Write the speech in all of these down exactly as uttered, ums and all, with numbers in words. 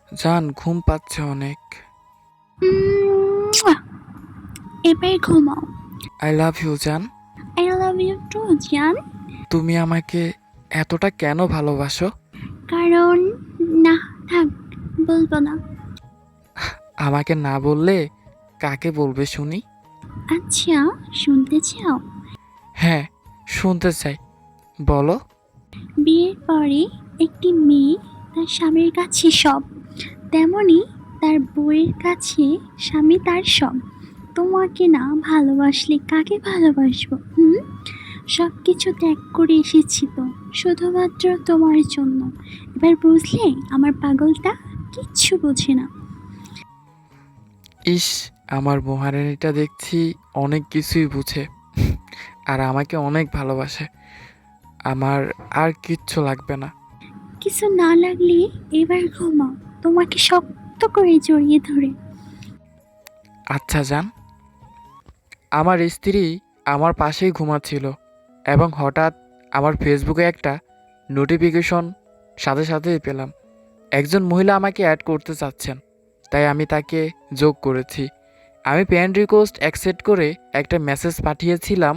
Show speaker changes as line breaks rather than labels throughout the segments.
জান ঘুম পাচ্ছে অনেক।
উম, এবার ঘুমাও।
আই লাভ ইউ জান।
আই লাভ ইউ টু জান।
তুমি আমাকে এতটা কেন ভালোবাসো?
কারণ না, থাক, বলবো না।
আমাকে না বললে কাকে বলবে শুনি?
আচ্ছা, শুনতে চাও?
হ্যাঁ, শুনতে চাই, বলো।
বিয়ের পরে একটি মেয়ে তার স্বামীর কাছে সব, তেমনি তার বউয়ের কাছে স্বামী তার সব। তোমাকে না ভালোবাসলে কাকে ভালোবাসবো? হুম, সব কিছু ত্যাগ করে এসেছি তো শুধুমাত্র তোমার জন্য। এবার বুঝলে আমার পাগলটা কিচ্ছু বোঝে না।
ইস, আমার মহারানীটা দেখছি অনেক কিছুই বুঝে আর আমাকে অনেক ভালোবাসে। আমার আর কিচ্ছু লাগবে না।
কিছু না লাগলে এবার ঘুমাও, তোমাকে শক্ত করে জড়িয়ে ধরে।
আচ্ছা জান। আমার স্ত্রী আমার পাশেই ঘুমাচ্ছিল এবং হঠাৎ আমার ফেসবুকে একটা নোটিফিকেশন সাথে সাথেই পেলাম। একজন মহিলা আমাকে অ্যাড করতে চাচ্ছেন, তাই আমি তাকে যোগ করেছি। আমি ফ্রেন্ড রিকোয়েস্ট অ্যাকসেপ্ট করে একটা মেসেজ পাঠিয়েছিলাম,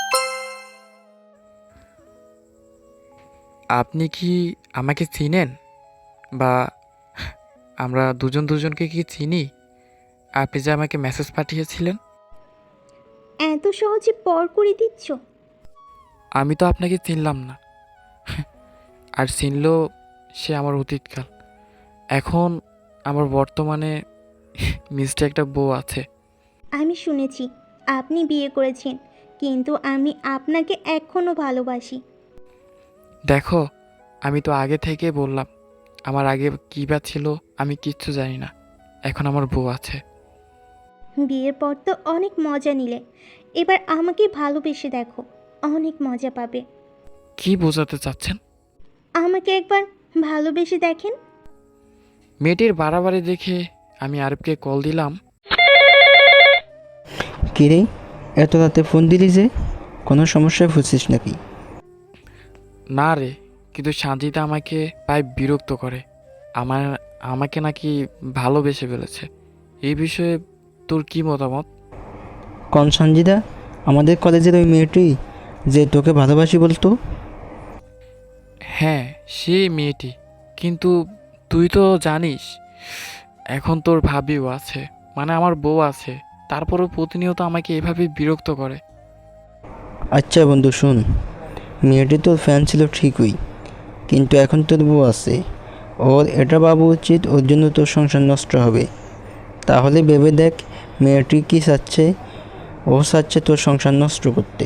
আপনি কি আমাকে চিনেন? বা আমরা দুজন দুজনকে কি চিনি? আপনি যে আমাকে মেসেজ পাঠিয়েছিলেন।
এত সহজে পর করে দিচ্ছ?
আমি তো আপনাকে চিনলাম না, আর চিনলেও সে আমার অতীতকাল। এখন আমার বর্তমানে মিষ্টি একটা বউ আছে।
আমি শুনেছি আপনি বিয়ে করেছেন, কিন্তু আমি আপনাকে এখনও ভালোবাসি।
দেখো, আমি তো আগে থেকে বললাম, আমার আগে কী বা ছিল আমি কিচ্ছু জানি না। এখন আমার বউ আছে।
বিয়ের পর তো অনেক মজা নিলে, এবার আমাকে ভালোবেসে দেখো, অনেক মজা পাবে।
কি বোঝাতে চাচ্ছেন?
আমাকে একবার ভালোবেসে দেখেন।
মেয়েটির বাড়াবাড়ি দেখে আমি আরবকে কল দিলাম।
কিরে, এত রাতে ফোন দিলি যে? কোনো সমস্যায় ফুসছিস নাকি?
না রে, কিন্তু সানজিদা আমাকে প্রায় বিরক্ত করে। আমার আমাকে নাকি ভালোবেসে ফেলেছে। এই বিষয়ে তোর কি মতামত?
কোন সঞ্জিদা? আমাদের কলেজের ওই মেয়েটি যে তোকে ভালোবাসি বলতো?
হ্যাঁ, সেই মেয়েটি। কিন্তু তুই তো জানিস এখন তোর ভাবিও আছে, মানে আমার বউ আছে। তারপরও প্রতিনিয়ত আমাকে এভাবে বিরক্ত করে।
আচ্ছা বন্ধু শোন, মেয়েটি তোর ফ্যান ছিল ঠিকই, কিন্তু এখন তোর বউ আছে। ওর এটা ভাবা উচিত, ওর জন্য তোর সংসার নষ্ট হবে। তাহলে ভেবে দেখ, মেয়েটি কি চাচ্ছে? ও চাচ্ছে তোর সংসার নষ্ট করতে।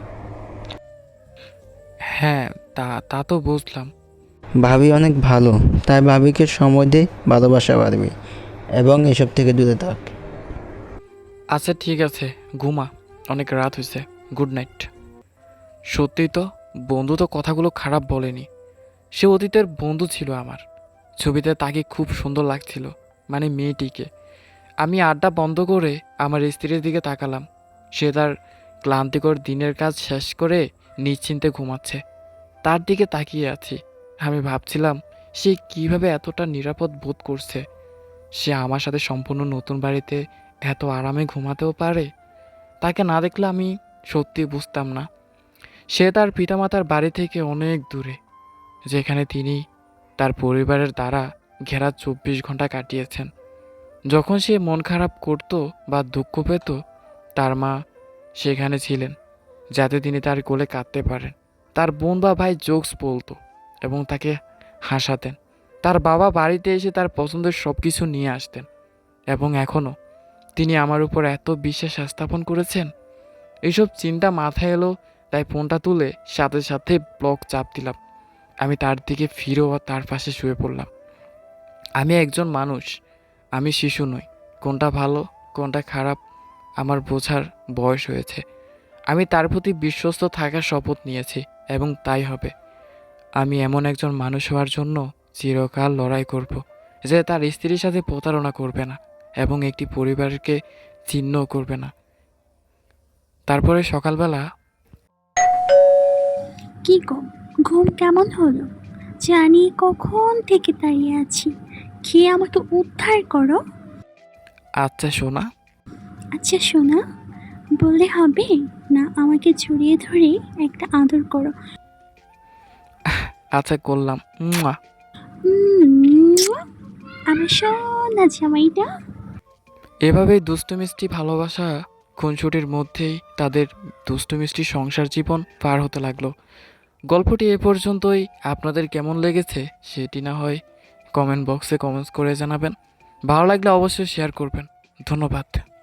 হ্যাঁ, তা তা তো বুঝলাম।
ভাবি অনেক ভালো, তাই ভাবিকে সময় দে, ভালোবাসা বাড়বে এবং এসব থেকে দূরে থাক।
আচ্ছা ঠিক আছে, ঘুমা, অনেক রাত হয়েছে। Good night. সত্যিই তো, বন্ধু তো কথাগুলো খারাপ বলেনি। সে অতীতের বন্ধু ছিল আমার। ছবিতে তাকে খুব সুন্দর লাগছিল, মানে মেয়েটিকে। আমি আড্ডা বন্ধ করে আমার স্ত্রীর দিকে তাকালাম। সে তার ক্লান্তিকর দিনের কাজ শেষ করে নিশ্চিন্তে ঘুমাচ্ছে। তার দিকে তাকিয়ে আছি। আমি ভাবছিলাম সে কিভাবে এতটা নিরাপদ বোধ করছে। সে আমার সাথে সম্পূর্ণ নতুন বাড়িতে এত আরামে ঘুমাতেও পারে। তাকে না দেখলে আমি সত্যি বুঝতাম না সে তার পিতামাতার বাড়ি থেকে অনেক দূরে, যেখানে তিনি তার পরিবারের দ্বারা ঘেরা চব্বিশ ঘন্টা কাটিয়েছেন। যখন সে মন খারাপ করত বা দুঃখ পেত, তার মা সেখানে ছিলেন, যাতে তিনি তার কোলে কাঁদতে পারেন। তার বোন বা ভাই জোকস বলতো এবং তাকে হাসাতেন। তার বাবা বাড়িতে এসে তার পছন্দের সব কিছু নিয়ে আসতেন। এবং এখনও তিনি আমার উপর এত বিশ্বাস স্থাপন করেছেন। এইসব চিন্তা মাথায় এলো, তাই ফোনটা তুলে সাথে সাথে ব্লক চাপ দিলাম। আমি তার দিকে ফিরেও তার পাশে শুয়ে পড়লাম। আমি একজন মানুষ, আমি শিশু নই। কোনটা ভালো কোনটা খারাপ আমার বোঝার বয়স হয়েছে। আমি তার প্রতি বিশ্বস্ত থাকার শপথ নিয়েছি এবং তাই হবে। আমি এমন একজন মানুষ হওয়ার জন্য চিরকাল লড়াই করব, যে তার স্ত্রীর সাথে প্রতারণা করবে না এবং একটি পরিবারকে ছিন্ন করবে না। তারপরে সকালবেলা
কি গো, ঘুম কেমন হলো? জানি কখন থেকে দাঁড়িয়ে আছি, খেয়ে আমাকে উদ্ধার করো।
আচ্ছা সোনা।
আচ্ছা সোনা বললে হবে না, আমাকে জড়িয়ে ধরে একটা আদর করো।
আচ্ছা করলাম। মুয়া।
উম, আমার সোনা জামাইটা।
এভাবেই দুষ্টু মিষ্টি ভালোবাসা খুনসুটির মধ্যেই তাদের দুষ্টু মিষ্টি সংসার জীবন পার হতে লাগলো। গল্পটি এ পর্যন্তই। আপনাদের কেমন লেগেছে সেটি না হয় কমেন্ট বক্সে কমেন্টস করে জানাবেন। ভালো লাগলে অবশ্যই শেয়ার করবেন। ধন্যবাদ।